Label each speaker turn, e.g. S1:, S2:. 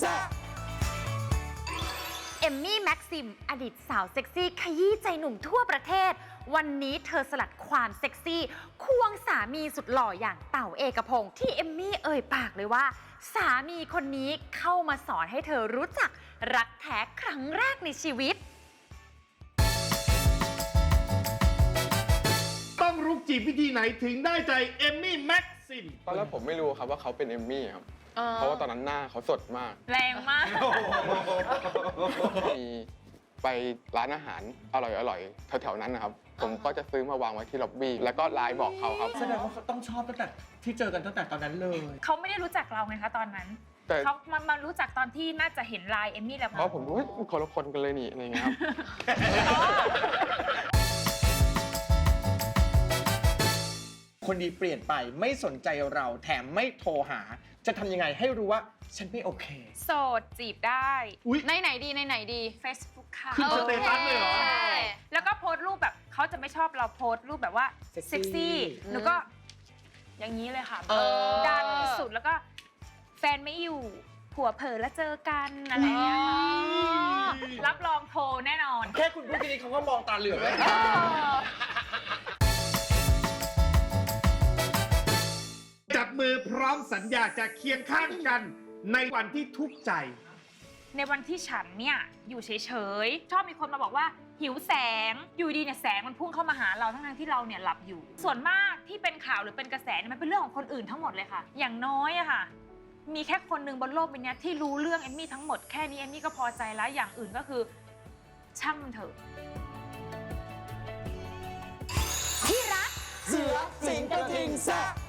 S1: แซ่บเอมมี่แม็กซิมอดีตสาวเซ็กซี่ขยี้ใจหนุ่มทั่วประเทศวันนี้เธอสลัดความเซ็กซี่ควงสามีสุดหล่ออย่างเต๋าเอกพงษ์ที่เอมมี่เอ่ยปากเลยว่าสามีคนนี้เข้ามาสอนให้เธอรู้จักรักแท้ครั้งแรกในชีวิต
S2: ต้องรุกจีบวิธีไหนถึงได้ใจเอมมี่แม็กซิม
S3: ตอนแรกผมไม่รู้ครับว่าเขาเป็นเอมมี่ครับเพราะว่าตอนนั้นหน้าเขาสดมาก
S4: แรงมาก
S3: มีไปร้านอาหารอร่อยๆแถวๆนั้นนะครับผมก็จะซื้อมาวางไว้ที่ล็อบบี้แล้วก็ไลน์บอกเขาครับ
S5: แสดงว่าเขาต้องชอบตั้งแต่ที่เจอกันตั้งแต่ตอนนั้นเลย
S4: เขาไม่ได้รู้จักเราไงคะตอนนั้น
S3: แต่
S4: เขามารู้จักตอนที่น่าจะเห็นไลน์เอมมี่แล้ว
S3: เพราะผมรู้ว่าคนละคนกันเลยนี่อะไรเงี้ยครับ
S5: คนดีเปลี่ยนไปไม่สนใจเราแถมไม่โทรหา จะทำยังไงให้รู้ว่าฉันไม่โอเค
S4: โสดจีบได้
S2: อุ๊ย
S6: ในไหนดีในไหนดี
S4: Facebook ค่ะ
S2: ขึ้นสเตตัสเลยเหรอ
S4: ใช่แล้วก็โพสต์รูปแบบเขาจะไม่ชอบเราโพสต์รูปแบบว่า
S5: เซ็กซี่
S4: เซ็กซี่หนูก็อย่างนี้เลยค่ะ ดันสุดแล้วก็แฟนไม่อยู่ผัวเผลอแล้วเจอกันอะไรอย่างเงี้ยค่ะรับรองโทรแน่นอน
S5: แค่คุณพูดแค่นี้เขาก็มองตาเหลือกแล้ว
S2: จับมือพร้อมสัญญาจะเคียงข้างกันในวันที่ทุกข์ใจ
S4: ในวันที่ฉันเนี่ยอยู่เฉยๆชอบมีคนมาบอกว่าหิวแสงอยู่ดีเนี่ยแสงมันพุ่งเข้ามาหาเราทั้งที่เราเนี่ยหลับอยู่ ส่วนมากที่เป็นข่าวหรือเป็นกระแสเนี่ยมันเป็นเรื่องของคนอื่นทั้งหมดเลยค่ะ อย่างน้อยอะค่ะมีแค่คนหนึ่งบนโลกใบนี้ที่รู้เรื่องเอมมี่ทั้งหมดแค่นี้เอมมี่ก็พอใจแล้วอย่างอื่นก็คือช่างมันเถอะ
S1: ที่รักเสือสิงกระทิงแซ่บ